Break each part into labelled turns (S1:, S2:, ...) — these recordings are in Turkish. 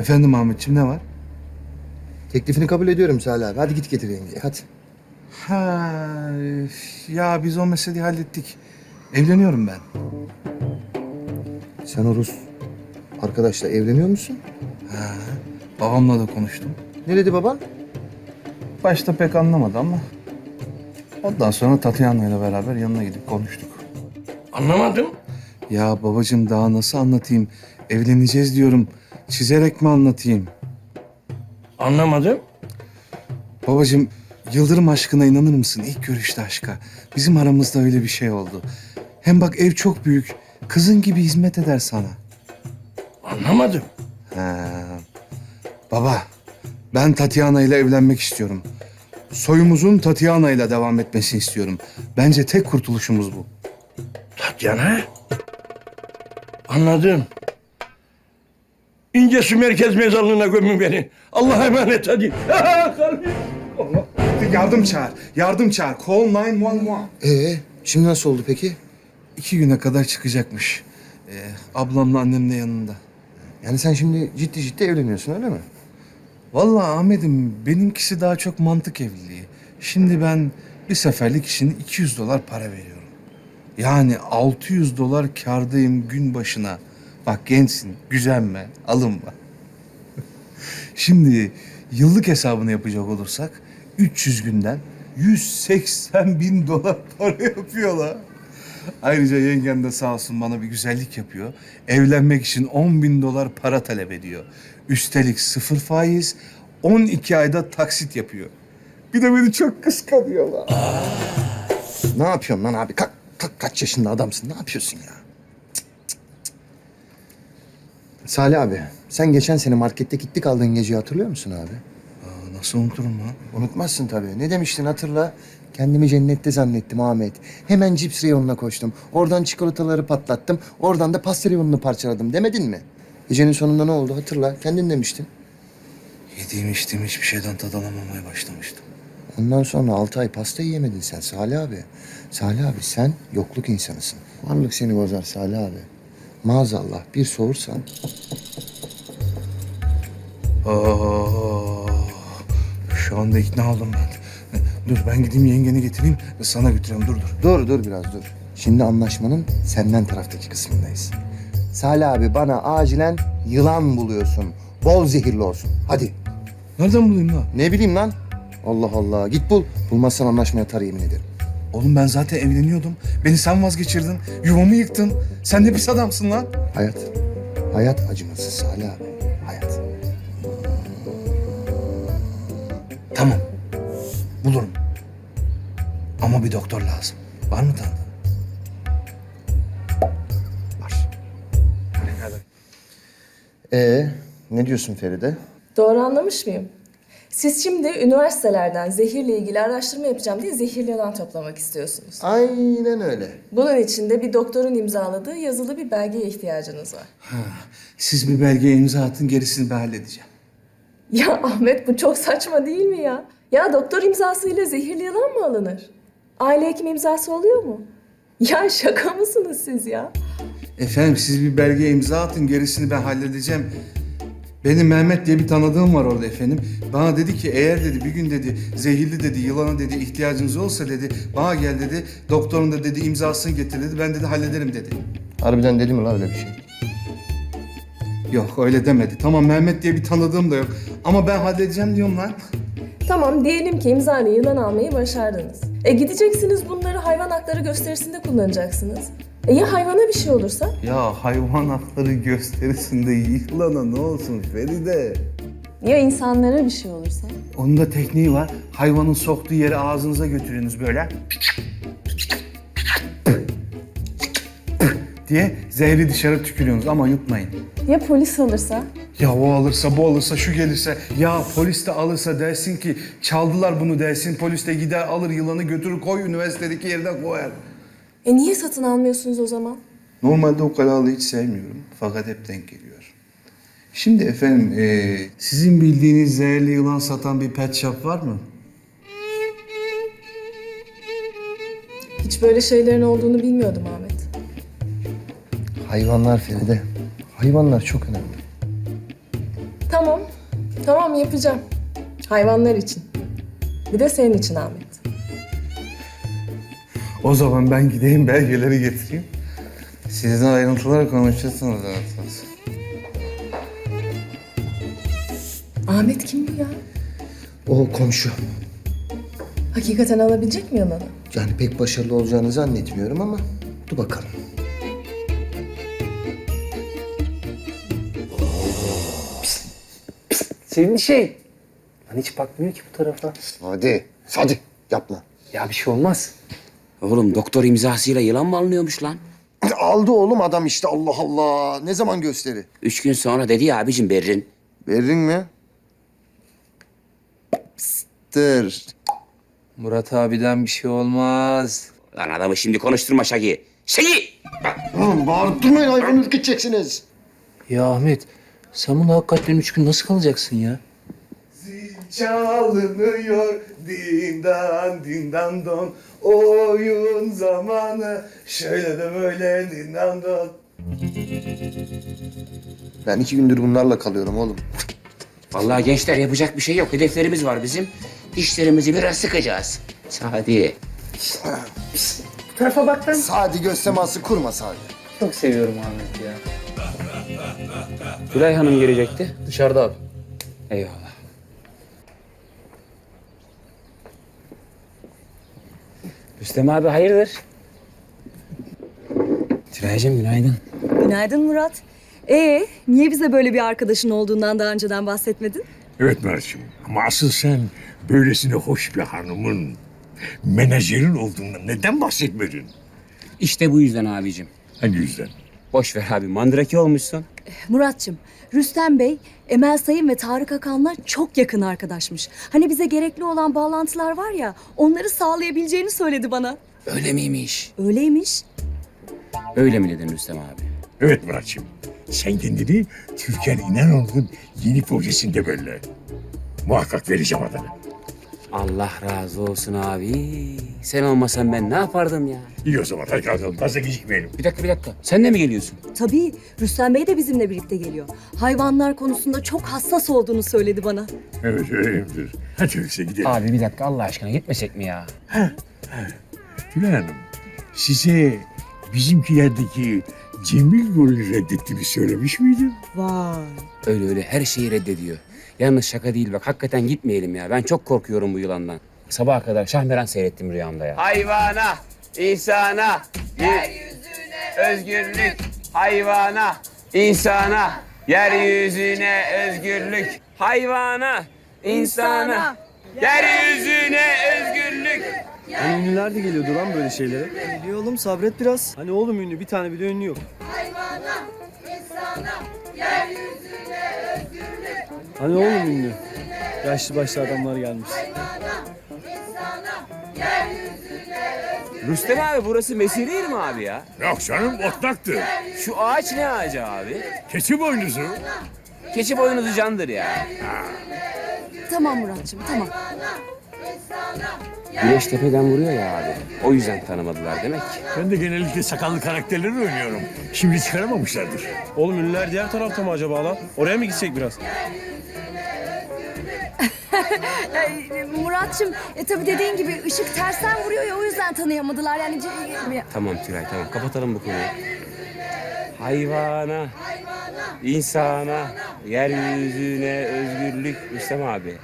S1: Efendim Ahmetciğim, ne var?
S2: Teklifini kabul ediyorum Salih abi. Hadi git getir yengeyi hadi.
S1: Ha, ya biz o meseleyi hallettik. Evleniyorum ben.
S2: Sen o Rus arkadaşla evleniyor musun?
S1: Babamla da konuştum.
S2: Ne dedi baban?
S1: Başta pek anlamadı ama ondan sonra Tatyana ile beraber yanına gidip konuştuk.
S3: Anlamadım.
S1: Ya babacığım, daha nasıl anlatayım? Evleneceğiz diyorum. Çizerek mi anlatayım?
S3: Anlamadım.
S1: Babacığım, Yıldırım aşkına inanır mısın? İlk görüşte aşka. Bizim aramızda öyle bir şey oldu. Hem bak, ev çok büyük. Kızın gibi hizmet eder sana.
S3: Anlamadım.
S1: Baba, ben Tatyana ile evlenmek istiyorum. Soyumuzun Tatyana ile devam etmesini istiyorum. Bence tek kurtuluşumuz bu.
S3: Tatyana. Anladım. İncesu Merkez Mezarlığı'na gömün beni. Allah'a emanet hadi. Kalbim.
S1: Yardım çağır, yardım çağır. Call 911.
S2: Şimdi nasıl oldu peki?
S1: 2 güne kadar çıkacakmış. Ablamla annem de yanında.
S2: Yani sen şimdi ciddi ciddi evleniyorsun öyle mi?
S1: Vallahi Ahmet'im, benimkisi daha çok mantık evliliği. Şimdi ben bir seferlik için $200 para veriyorum. Yani $600 kârdayım gün başına. Bak, gençsin, gücenme, alınma. Şimdi yıllık hesabını yapacak olursak 300 günden $180.000 para yapıyorlar. Ayrıca yengem de sağ olsun bana bir güzellik yapıyor. Evlenmek için $10.000 para talep ediyor. Üstelik 0 faiz, 12 ayda taksit yapıyor. Bir de beni çok kıskanıyorlar.
S2: Ne yapıyorsun lan abi? Kalk, kaç yaşında adamsın? Ne yapıyorsun ya? Salih abi, sen geçen sene markette gittik aldığın geceyi hatırlıyor musun abi?
S1: Nasıl unuturum lan?
S2: Unutmazsın tabii. Ne demiştin hatırla? Kendimi cennette zannettim Ahmet. Hemen cips reyonuna koştum. Oradan çikolataları patlattım. Oradan da pasta reyonunu parçaladım demedin mi? Gecenin sonunda ne oldu hatırla. Kendin demiştin.
S1: Yediğim içtiğim hiçbir şeyden tad alamamaya başlamıştım.
S2: Ondan sonra 6 ay pasta yiyemedin sen Salih abi. Salih abi sen yokluk insanısın. Varlık seni bozar Salih abi. Maazallah bir soğursan.
S1: Şu anda ikna oldum ben. Dur, ben gideyim yengeni getireyim, sana götüreyim. Dur.
S2: Dur biraz dur. Şimdi anlaşmanın senden taraftaki kısmındayız. Salih abi bana acilen yılan buluyorsun. Bol zehirli olsun. Hadi.
S1: Nereden bulayım lan?
S2: Ne bileyim lan. Allah Allah. Git bul. Bulmazsan anlaşmaya atar yemin ederim.
S1: Oğlum, ben zaten evleniyordum. Beni sen vazgeçirdin. Yuvamı yıktın. Sen ne pis adamsın lan.
S2: Hayat. Hayat acımasız Salih abi. Hayat.
S1: Tamam. Bulurum. Ama bir doktor lazım. Var mı tanıdığın?
S2: Var. Ne diyorsun Feride?
S4: Doğru anlamış mıyım? Siz şimdi üniversitelerden zehirle ilgili araştırma yapacağım diye zehirli yılan toplamak istiyorsunuz.
S2: Aynen öyle.
S4: Bunun için de bir doktorun imzaladığı yazılı bir belgeye ihtiyacınız var.
S1: Siz bir belgeye imza atın, gerisini ben halledeceğim.
S4: Ya Ahmet, bu çok saçma değil mi ya? Ya doktor imzasıyla zehirli yılan mı alınır? Aile hekim imzası oluyor mu? Ya şaka mısınız siz ya?
S1: Efendim, siz bir belgeye imza atın, gerisini ben halledeceğim. Benim Mehmet diye bir tanıdığım var orada efendim. Bana dedi ki, eğer dedi bir gün dedi zehirli dedi yılana dedi ihtiyacınız olsa dedi bana gel dedi. Doktorun da dedi imzasını getir dedi. Ben dedi hallederim dedi.
S2: Harbiden dedi mi lan öyle bir şey?
S1: Yok, öyle demedi. Tamam, Mehmet diye bir tanıdığım da yok. Ama ben halledeceğim diyorum lan.
S4: Tamam, diyelim ki imzayla yılan almayı başardınız. Gideceksiniz bunları hayvan hakları gösterisinde kullanacaksınız. Ya hayvana bir şey olursa?
S1: Ya hayvan hakları gösterisinde yılana ne olsun Feride?
S4: Ya insanlara bir şey olursa?
S1: Onun da tekniği var. Hayvanın soktuğu yeri ağzınıza götürüyorsunuz böyle. diye zehri dışarı tükürüyorsunuz ama yutmayın.
S4: Ya polis alırsa?
S1: Ya o alırsa, bu alırsa, şu gelirse, ya polis de alırsa dersin ki çaldılar bunu dersin. Polis de gider alır yılanı götürür koy üniversitedeki yerine koyar.
S4: Niye satın almıyorsunuz o zaman?
S1: Normalde o kalabalığı hiç sevmiyorum fakat hep denk geliyor. Şimdi efendim, sizin bildiğiniz zehirli yılan satan bir pet shop var mı?
S4: Hiç böyle şeylerin olduğunu bilmiyordum Ahmet.
S2: Hayvanlar Feride. Hayvanlar çok önemli.
S4: Tamam. Tamam yapacağım. Hayvanlar için. Bir de senin için Ahmet.
S1: O zaman ben gideyim belgeleri getireyim. Sizin ayrıntıları konuşursunuz zaten.
S4: Ahmet kim bu ya?
S2: O komşu.
S4: Hakikaten alabilecek mi yalanı?
S2: Yani pek başarılı olacağını zannetmiyorum ama dur bakalım.
S5: Sevimli şey. Lan hiç bakmıyor ki bu tarafa.
S2: Hadi yapma.
S5: Ya bir şey olmaz.
S6: Oğlum doktor imzasıyla yılan mı alınıyormuş lan?
S2: Aldı oğlum adam işte Allah Allah. Ne zaman gösteri?
S6: 3 gün sonra dedi ya abicim Berrin.
S2: Berrin mi? Psttır.
S5: Murat abiden bir şey olmaz.
S6: Lan adamı şimdi konuşturma Şagi. Şagi!
S2: Oğlum bağırıp durmayın hayvan ürküteceksiniz.
S5: Ya Ahmet sen bunu hakikaten 3 gün nasıl kalacaksın ya?
S1: Çalınıyor dindan dindan don. Oyun zamanı şöyle de böyle dindan don.
S2: Ben 2 gündür bunlarla kalıyorum oğlum.
S6: Vallahi gençler yapacak bir şey yok. Hedeflerimiz var bizim. Dişlerimizi biraz sıkacağız. Sadi.
S2: Sadi göz teması kurma Sadi.
S5: Çok seviyorum Ahmet ya.
S6: Tülay Hanım gelecekti.
S5: Dışarıda abi.
S6: Eyvallah. Rüstem abi hayırdır? Tülay'cığım günaydın.
S7: Günaydın Murat. Niye bize böyle bir arkadaşın olduğundan daha önceden bahsetmedin?
S3: Evet Mert'ciğim ama asıl sen böylesine hoş bir hanımın menajerin olduğundan neden bahsetmedin?
S6: İşte bu yüzden abicim.
S3: Hangi yüzden?
S6: Boş ver abi mandraki olmuşsun.
S7: Muratçım, Rüstem Bey, Emel Sayın ve Tarık Akan'la çok yakın arkadaşmış. Hani bize gerekli olan bağlantılar var ya, onları sağlayabileceğini söyledi bana.
S6: Öyle miymiş?
S7: Öyleymiş.
S6: Öyle mi dedin Rüstem abi?
S3: Evet Muratçığım. Sen kendini Türkan İnanoğlu'nun yeni projesinde belli. Muhakkak vereceğim adını.
S6: Allah razı olsun abi. Sen olmasan ben ne yapardım ya?
S3: İyi o zaman hadi kalkalım. Fazla gecikmeyelim.
S6: Bir dakika. Sen de mi geliyorsun?
S7: Tabii, Rüstem Bey de bizimle birlikte geliyor. Hayvanlar konusunda çok hassas olduğunu söyledi bana.
S3: Evet öyleyimdir. Hadi öyleyse gidelim.
S6: Abi bir dakika Allah aşkına gitmesek mi ya?
S3: Tülay Hanım, size bizimkilerdeki Cemil rolünü reddettiğimi söylemiş miydim?
S7: Vay.
S6: Öyle her şeyi reddediyor. Yalnız şaka değil bak hakikaten gitmeyelim ya. Ben çok korkuyorum bu yılandan. Sabaha kadar Şahmeran seyrettim rüyamda ya. Hayvana, insana, yeryüzüne özgürlük. Hayvana, insana, yeryüzüne özgürlük. Hayvana, insana, yeryüzüne özgürlük.
S8: Hani ünlüler de geliyordu lan böyle şeylere. Geliyor oğlum sabret biraz. Hani oğlum ünlü bir tane bile ünlü yok. Hani oğlum ünlü. Yaşlı başlı adamlar gelmiş.
S6: Rüstem abi burası Mesire değil mi abi ya?
S3: Yok canım otlaktı.
S6: Şu ağaç ne ağacı abi?
S3: Keçi boynuzu.
S6: Keçi boynuzu candır ya.
S7: Tamam Muratçım, tamam.
S6: Güneş tepeden vuruyor ya abi. O yüzden tanımadılar demek ki.
S3: Ben de genellikle sakallı karakterleri oynuyorum. Şimdi çıkaramamışlardır.
S8: Oğlum ünlüler diğer tarafta mı acaba lan? Oraya mı gitsek biraz?
S7: Muratçım, tabii dediğin gibi ışık tersten vuruyor ya o yüzden tanıyamadılar. Yani
S6: Tamam Tülay tamam kapatalım bu konuyu. Hayvana, insana, yeryüzüne özgürlük Rüstem abi.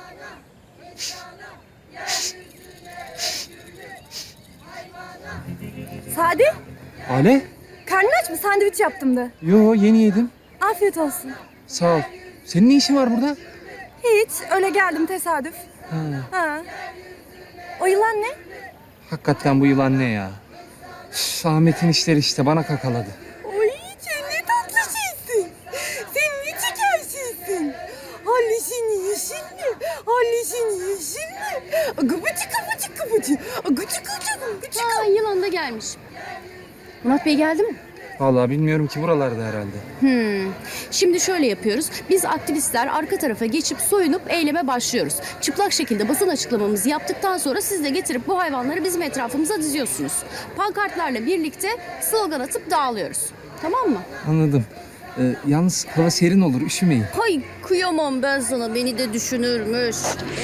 S7: Sadi,
S5: Ale?
S7: karnın aç mı? Sandviç yaptım da.
S5: Yo yeni yedim.
S7: Afiyet olsun.
S5: Sağ ol. Senin ne işin var burada?
S7: Hiç, öyle geldim tesadüf. Ha. O yılan ne?
S5: Hakikaten bu yılan ne ya? Ahmet'in işleri işte bana kakaladı.
S7: Oy, sen ne tatlı şeysin. Sen ne çeker şeysin. Halleşin yeşil mi? Halleşin yeşil mi? Gıbıcı gıbıcı gıbıcı. Gıcı gıcı gıcı.
S9: Aa, yılan da gelmiş. Murat Bey geldi mi?
S5: Vallahi bilmiyorum ki buralarda herhalde.
S9: Şimdi şöyle yapıyoruz. Biz aktivistler arka tarafa geçip soyunup eyleme başlıyoruz. Çıplak şekilde basın açıklamamızı yaptıktan sonra siz de getirip bu hayvanları bizim etrafımıza diziyorsunuz. Pankartlarla birlikte slogan atıp dağılıyoruz. Tamam mı?
S5: Anladım. Yalnız hava serin olur, üşümeyin.
S9: Hay kıyamam ben sana, beni de düşünürmüş.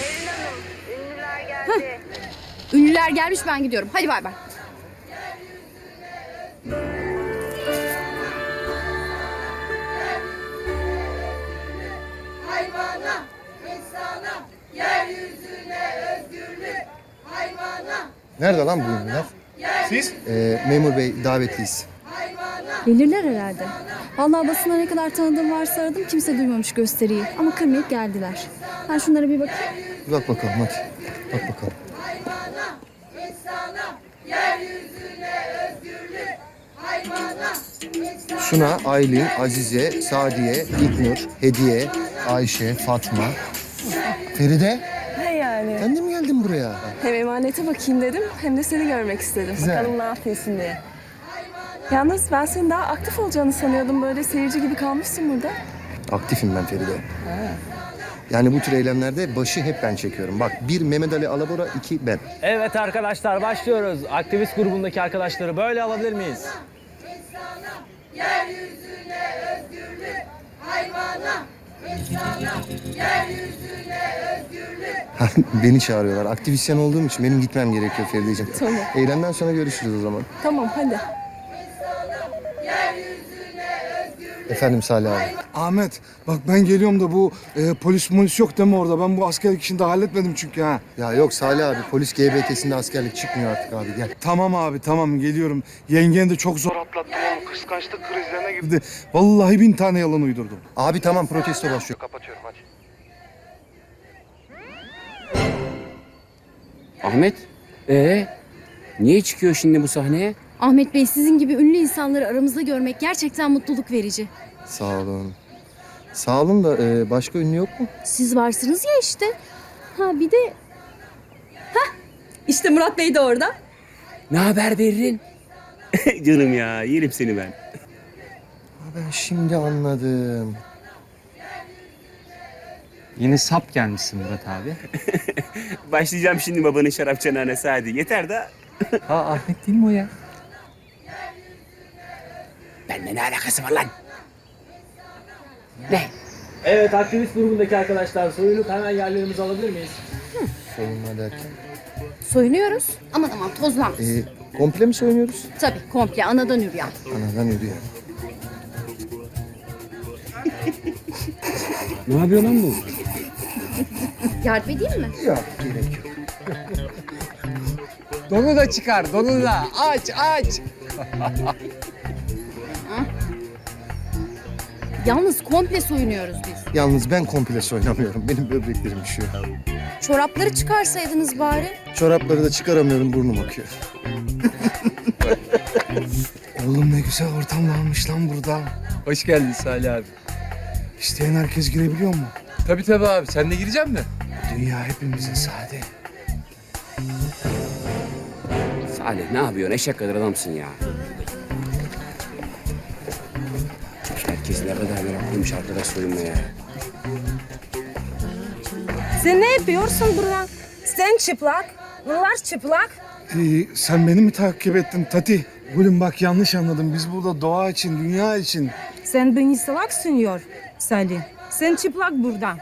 S9: Ünlüler gelmiş, ben gidiyorum. Hadi bay bay.
S2: Nerede lan bu ünlüler?
S1: Siz?
S2: Memur bey davetliyiz.
S10: Gelirler herhalde. Vallahi basına ne kadar tanıdığım varsa aradım, kimse duymamış gösteriyi. Ama kırmayıp geldiler. Ben şunlara bir bakayım.
S2: Bir bak bakalım hadi. Bak bakalım. Suna, Aylin, Azize, Sadiye, İlknur, Hediye, Ayşe, Fatma. Feride,
S4: Ne yani?
S2: sen de mi geldin buraya?
S4: Hem emanete bakayım dedim hem de seni görmek istedim.
S2: Güzel.
S4: Bakalım ne yapıyorsun diye. Yalnız ben senin daha aktif olacağını sanıyordum. Böyle seyirci gibi kalmışsın burada.
S2: Aktifim ben Feride. Yani bu tür eylemlerde başı hep ben çekiyorum. Bak, bir Mehmet Ali Alabora, iki ben.
S8: Evet arkadaşlar, başlıyoruz. Aktivist grubundaki arkadaşları böyle alabilir miyiz?
S2: Beni çağırıyorlar. Aktivisyen olduğum için benim gitmem gerekiyor Ferideciğim.
S4: Tamam.
S2: Eylemden sonra görüşürüz o zaman.
S4: Tamam hadi.
S2: Efendim Salih abi.
S1: Ahmet bak ben geliyorum da bu polis yok değil mi orada? Ben bu askerlik işini daha halletmedim çünkü ha.
S2: Ya yok Salih abi, polis GBT'sinde askerlik çıkmıyor artık abi, gel.
S1: Tamam abi tamam geliyorum. Yengen de çok zor atlattım oğlum. Kıskançlık krizlerine girdi. Vallahi 1000 tane yalan uydurdum.
S2: Abi tamam, protesto başlıyor. Kapatıyorum hadi.
S6: Ahmet, niye çıkıyor şimdi bu sahneye?
S9: Ahmet Bey, sizin gibi ünlü insanları aramızda görmek gerçekten mutluluk verici.
S2: Sağ olun. Sağ olun da başka ünlü yok mu?
S9: Siz varsınız ya işte. Ha bir de...
S10: İşte Murat Bey de orada.
S6: Ne haber Berrin? Canım ya, yerim seni ben.
S2: Ben şimdi anladım.
S5: Yine sap gelmişsin Murat abi.
S6: Başlayacağım şimdi babanın şarap çanağına hadi. Yeter de.
S5: Ahmet değil mi o ya?
S6: Benimle ne alakası var lan? Ne?
S8: Evet, aktivist grubundaki arkadaşlar soyulup hemen yerlerimizi alabilir miyiz?
S2: Soyunma derken.
S9: Soyunuyoruz. Aman aman tozlanmış.
S2: Komple mi soyunuyoruz?
S9: Tabii komple anadan yürüyen.
S2: Anadan yürüyor.
S6: Ne yapıyor lan bu?
S9: Yardım edeyim mi?
S2: Yok, gerek yok.
S5: Donu da çıkar, donu da. Aç.
S9: Yalnız komple soyunuyoruz biz.
S2: Yalnız ben komple soyunamıyorum. Benim böbreklerim üşüyor.
S9: Çorapları çıkarsaydınız bari.
S2: Çorapları da çıkaramıyorum, burnum akıyor.
S1: Oğlum ne güzel ortam varmış lan burada.
S5: Hoş geldin Salih abi.
S1: İsteyen herkes girebiliyor mu?
S5: Tabii abi, sen de girecek misin?
S1: Dünya hepimizin Sade.
S6: Salih ne yapıyorsun? Eşek kadar adamsın ya. Herkes ne kadar meraklıymış arkadaş soyunmaya.
S7: Sen ne yapıyorsun burada? Sen çıplak, bunlar çıplak.
S1: Sen beni mi takip ettin Tati? Gülüm bak yanlış anladım. Biz burada doğa için, dünya için.
S7: Sen beni salak sanıyor Salih. Sen çıplak burada.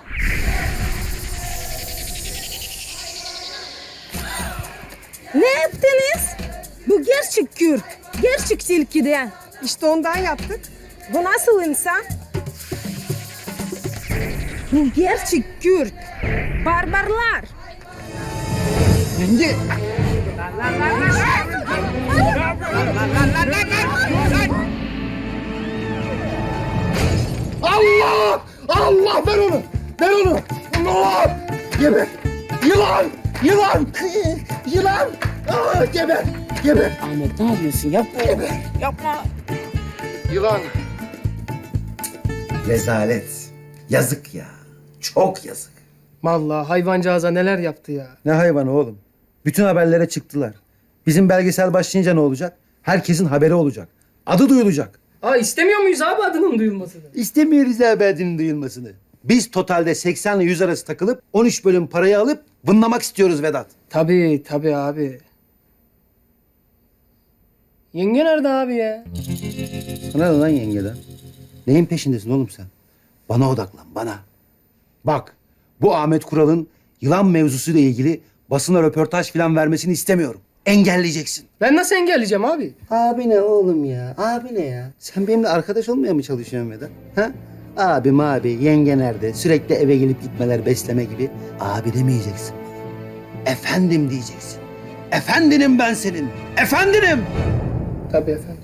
S7: Ne yaptınız? Bu gerçek kürk. Gerçek tilkiden. İşte ondan yaptık. Bu nasıl insan? Bu gerçek kürk. Barbarlar.
S5: Yenge.
S2: Allah! Allah! Ver onu! Ver onu! Allah! Geber! Yılan! Yılan! Yılan! Aa, geber! Geber!
S6: Ahmet ne yapıyorsun? Yapma.
S2: Geber! Yılan!
S11: Rezalet. Yazık ya. Çok yazık.
S8: Vallahi hayvancağıza neler yaptı ya.
S11: Ne hayvanı oğlum? Bütün haberlere çıktılar. Bizim belgesel başlayınca ne olacak? Herkesin haberi olacak. Adı duyulacak.
S8: İstemiyor muyuz abi adının duyulmasını?
S11: İstemiyoruz abi adının duyulmasını. Biz totalde 80 ile 100 arası takılıp 13 bölüm parayı alıp vınlamak istiyoruz Vedat.
S8: Tabii abi. Yenge nerede abi ya?
S11: Sana ne lan yengeden? Neyin peşindesin oğlum sen? Bana odaklan, bana. Bak, bu Ahmet Kural'ın yılan mevzusuyla ilgili basına röportaj falan vermesini istemiyorum. Engelleyeceksin.
S2: Ben nasıl engelleyeceğim abi?
S11: Abi ne oğlum ya? Abi ne ya? Sen benimle arkadaş olmaya mı çalışıyorsun Vedat? Ha? Abim abi, yenge nerede? Sürekli eve gelip gitmeler, besleme gibi. Abi demeyeceksin. Efendim diyeceksin. Efendinim ben senin. Efendinim.
S2: Tabii efendim.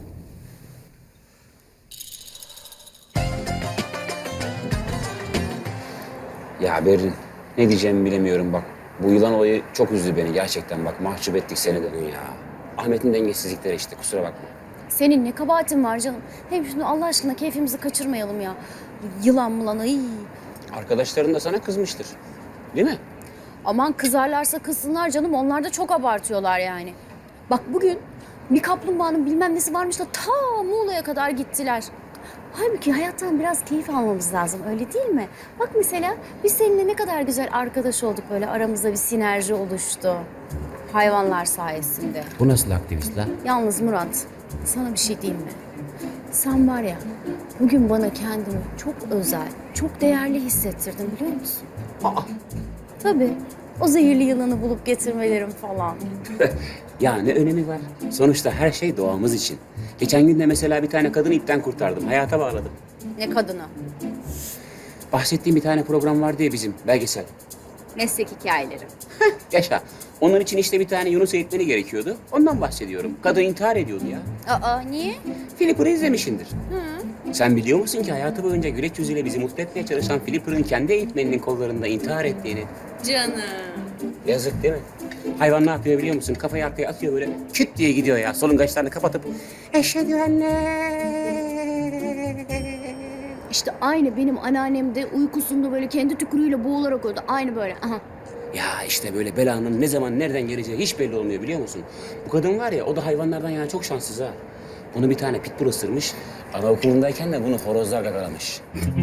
S6: Ya Berrin, ne diyeceğimi bilemiyorum bak. Bu yılan olayı çok üzdü beni gerçekten bak. Mahcup ettik seni de ya. Ahmet'in dengesizlikleri işte, kusura bakma.
S9: Senin ne kabahatin var canım? Hem şimdi Allah aşkına keyfimizi kaçırmayalım ya. Yılan mılan ay.
S6: Arkadaşların da sana kızmıştır. Değil mi?
S9: Aman kızarlarsa kızsınlar canım. Onlar da çok abartıyorlar yani. Bak bugün bir kaplumbağanın bilmem nesi varmış da ta Muğla'ya kadar gittiler. Halbuki hayattan biraz keyif almamız lazım, öyle değil mi? Bak mesela biz seninle ne kadar güzel arkadaş olduk, böyle aramızda bir sinerji oluştu. Hayvanlar sayesinde.
S6: Bu nasıl aktivist lan?
S9: Yalnız Murat, sana bir şey diyeyim mi? Sen var ya, bugün bana kendimi çok özel, çok değerli hissettirdin biliyor musun? Tabii, o zehirli yılanı bulup getirmelerim falan.
S6: Ya ne önemi var? Sonuçta her şey doğamız için. Geçen gün de mesela bir tane kadını ipten kurtardım. Hayata bağladım.
S9: Ne kadını?
S6: Bahsettiğim bir tane program vardı ya bizim, belgesel.
S9: Meslek hikayeleri.
S6: Yaşa. Onun için işte bir tane Yunus eğitmeni gerekiyordu. Ondan bahsediyorum. Kadın intihar ediyordu ya.
S9: Aa, niye?
S6: Flipper'ı izlemişsindir. Sen biliyor musun ki hayatı boyunca güleç yüzüyle bizi mutlu etmeye çalışan Flipper'ın kendi eğitmeninin kollarında intihar ettiğini?
S9: Canım.
S6: Yazık değil mi? Hayvan ne yapıyor biliyor musun? Kafayı arkaya atıyor böyle küt diye gidiyor ya. Solungaçlarını kapatıp eşhedü enne.
S9: İşte aynı benim anneannem de uykusunda böyle kendi tükürüğüyle boğularak öldü. Aynı böyle. Aha.
S6: Ya işte böyle belanın ne zaman nereden geleceği hiç belli olmuyor biliyor musun? Bu kadın var ya, o da hayvanlardan yani çok şanssız ha. Bunu bir tane pitbull ısırmış. Anaokulundayken de bunu horozlar gagalamış.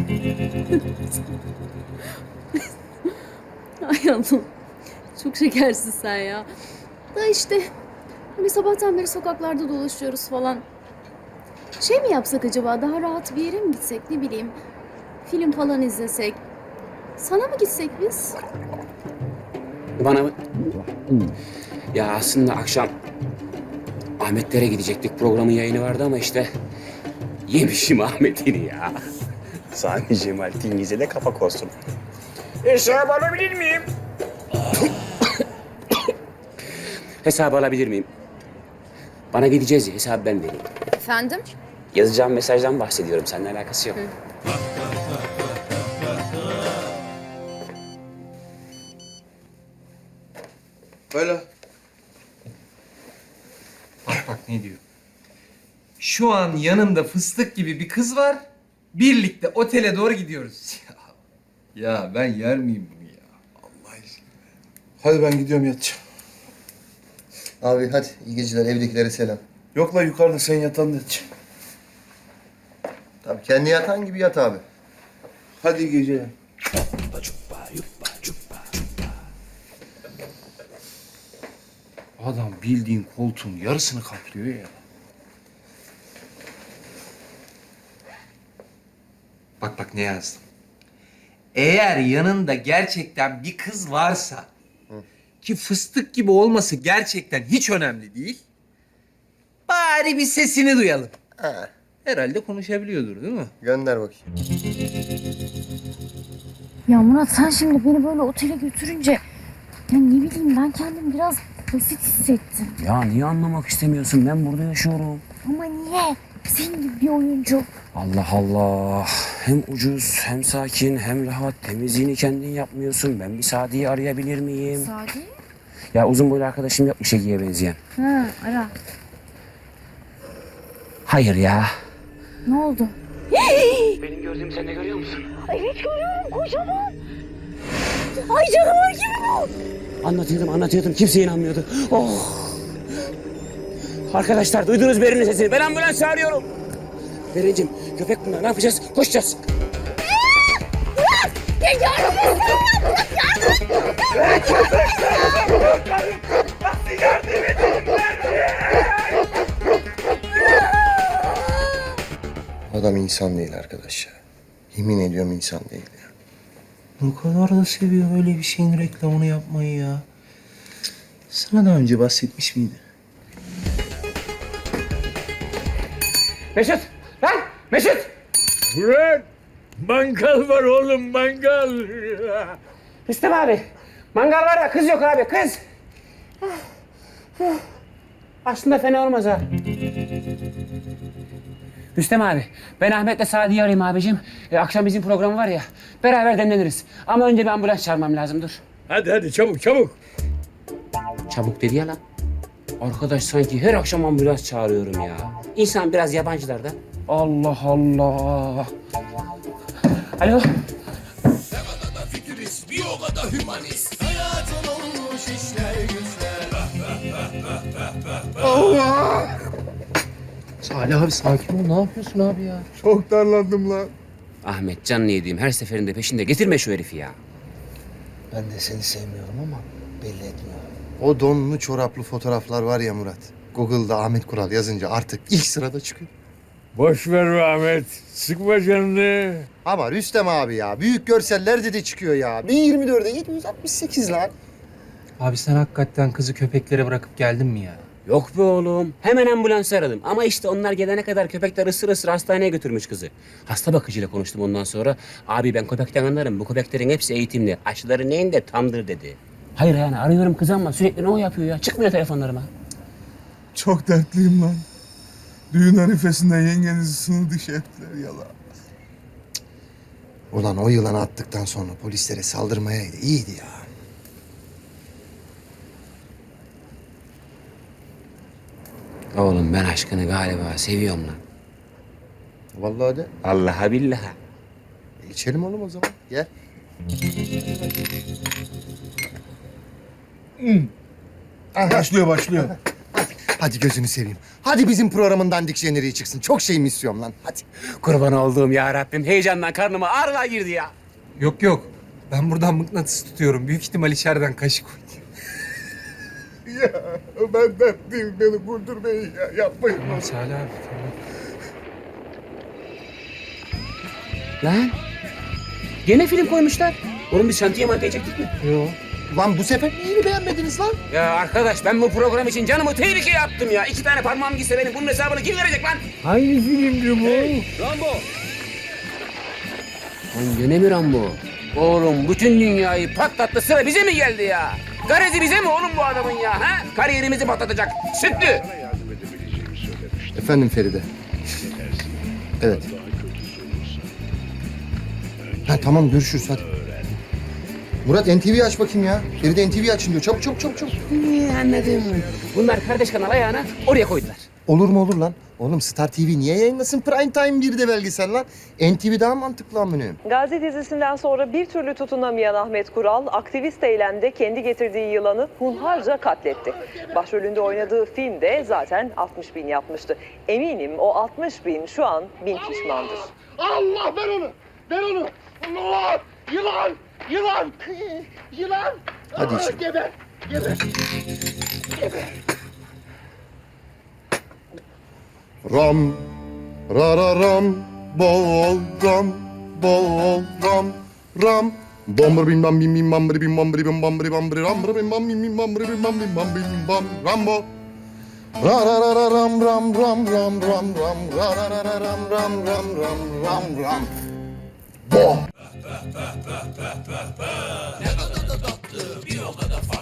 S9: Ay Allah'ım. Çok şekersin sen ya. Da işte hani sabahtan beri sokaklarda dolaşıyoruz falan. Şey mi yapsak acaba? Daha rahat bir yere mi gitsek? Ne bileyim. Film falan izlesek. Sana mı gitsek biz?
S6: Bana mı? Ya aslında akşam Ahmetlere gidecektik. Programın yayını vardı ama işte yemişim Ahmet'ini ya. Sami Cemal Tingiz'e de kapak olsun. Hesap alabilir miyim? Hesabı alabilir miyim? Bana gideceğiz ya, hesabı ben vereyim.
S9: Efendim?
S6: Yazacağım mesajdan bahsediyorum. Seninle alakası yok.
S1: Böyle.
S5: Bak ne diyor. Şu an yanımda fıstık gibi bir kız var. Birlikte otele doğru gidiyoruz.
S1: Ya ben yer miyim bunu ya? Allah aşkına. Hadi ben gidiyorum yatacağım.
S2: Abi hadi iyi geceler, evdekilere selam.
S1: Yok la, yukarıda sen yatağında yatacağım.
S2: Tabii kendi yatan gibi yat abi.
S1: Hadi iyi geceler. Adam bildiğin koltuğun yarısını kaplıyor ya.
S5: Bak ne yazdım. Eğer yanında gerçekten bir kız varsa ki fıstık gibi olması gerçekten hiç önemli değil. Bari bir sesini duyalım.
S2: Ha,
S5: Herhalde konuşabiliyordur değil mi?
S2: gönder bakayım.
S9: Ya Murat sen şimdi beni böyle otele götürünce ya ne bileyim ben kendimi biraz basit hissettim.
S6: Ya niye anlamak istemiyorsun? Ben burada yaşıyorum.
S9: Ama niye? Senin gibi bir oyuncu.
S6: Allah Allah. Hem ucuz, hem sakin, hem rahat. Temizliğini kendin yapmıyorsun. Ben bir Sadi'yi arayabilir miyim?
S9: Sadi?
S6: Ya uzun boylu arkadaşım yapmış Ege'ye benzeyen.
S9: Ha ara.
S6: Hayır ya.
S9: Ne oldu?
S6: Benim gördüğümü sen de görüyor musun?
S9: Evet görüyorum kocaman. Ay canavar gibi bu.
S6: Anlatıyordum. Kimse inanmıyordu. Oh. Arkadaşlar duydunuz Berin'in sesini. Ben ambulans çağırıyorum. Berincim, köpek bunlar. Ne yapacağız? Koşacağız.
S2: Adam insan değil arkadaş ya. Yemin ediyorum insan değil ya.
S5: O kadar da seviyor öyle bir şeyin reklamını yapmayı ya. Sana daha önce bahsetmiş miydi?
S6: Mesut! Lan! Mesut!
S3: Murat! Mangal var oğlum, mangal.
S6: Rüstem abi. Mangal var da kız yok abi, kız. Aslında fena olmaz ha. Rüstem abi, ben Ahmet'le Sadi'yi arayayım abicim. Akşam bizim programı var ya, beraber demleniriz. Ama önce bir ambulans çağırmam lazım, dur.
S3: Hadi çabuk çabuk.
S6: Çabuk dedi ya lan. Arkadaş sanki her akşam ambulans çağırıyorum ya. İnsan biraz yabancılar da. Allah Allah. Alo.
S2: Salih abi sakin ol. Ne yapıyorsun abi ya?
S1: Çok darlandım lan.
S6: Ahmet canını yediğim her seferinde peşinde getirme şu herifi ya.
S2: Ben de seni sevmiyorum ama belli etmiyorum. O donlu çoraplı fotoğraflar var ya Murat. Google'da Ahmet Kural yazınca artık ilk sırada çıkıyor.
S3: Boş ver be Ahmet. Sıkma canını.
S2: Ama Rüstem abi ya. Büyük görseller de çıkıyor ya. 1024'e 768 lan.
S5: Abi sen hakikaten kızı köpeklere bırakıp geldin mi ya?
S6: Yok be oğlum. Hemen ambulans aradım. Ama işte onlar gelene kadar köpekler ısır ısır hastaneye götürmüş kızı. Hasta bakıcıyla konuştum ondan sonra. Abi ben köpekten anlarım. Bu köpeklerin hepsi eğitimli. Aşıları neyin de tamdır dedi. Hayır yani arıyorum kız ama sürekli ne o yapıyor ya? Çıkmıyor telefonlarıma.
S1: Çok dertliyim lan. Düğün arifesinde yengenizi sınır dışı ettiler yala.
S2: Ulan o yılanı attıktan sonra polislere saldırmayaydı. İyiydi ya.
S6: Oğlum ben aşkını galiba seviyorum lan.
S2: Vallahi de.
S6: Allah'a billaha.
S2: İçelim oğlum o zaman. Gel.
S1: Başlıyor.
S2: Hadi gözünü seveyim. Hadi bizim programın dandik jeneriği çıksın. Çok şeyimi istiyorum lan. Hadi.
S6: Kurban olduğum ya Rabbim. Heyecandan karnıma ağrılar girdi ya.
S5: Yok. Ben buradan mıknatıs tutuyorum. Büyük ihtimal içeriden kaşık koydu.
S1: Ya ben dertliyim. Beni vurdurmayın ya. Yapmayın.
S5: Salih abi tamam.
S6: Lan. Gene film koymuşlar. Oğlum biz şantiye mantiye çektik mi?
S5: Yok.
S2: Lan bu sefer neyini beğenmediniz lan?
S6: Ya arkadaş ben bu program için canımı tehlikeye attım ya. 2 tane parmağım gitse benim bunun hesabını kim verecek lan?
S3: Hangi filmdi bu?
S6: Lan gene mi Rambo? Oğlum bütün dünyayı patlattı sıra bize mi geldi ya? Garezi bize mi oğlum bu adamın ya? Ha? Kariyerimizi patlatacak. Sütlü.
S2: Efendim Feride. Evet. Ha tamam görüşürüz hadi. Murat NTV aç bakayım ya. Feride NTV açın diyor. Çabuk.
S6: Anladım. Bunlar kardeş kanal ayağına oraya koydular.
S2: Olur mu olur lan? Oğlum Star TV niye yayınlasın Prime Time 1'de belgesel lan? NTV daha mantıklı amınım.
S12: Gazi dizisinden sonra bir türlü tutunamayan Ahmet Kural, aktivist eylemde kendi getirdiği yılanı hunharca katletti. Başrolünde oynadığı film de zaten 60 bin yapmıştı. Eminim o 60 bin şu an bin pişmandır.
S11: Allah ver onu. Allah! Yılan!
S2: Hadi içelim.
S11: Geber.
S2: Ram, ram, bol ram. Bombur bim bam bim bim bam bri bim bam bri bim bam bri bam bri ram bri bim bam bim bim bam bri bim bam bim bam bim bam rambo. Ra ram ram. Bo.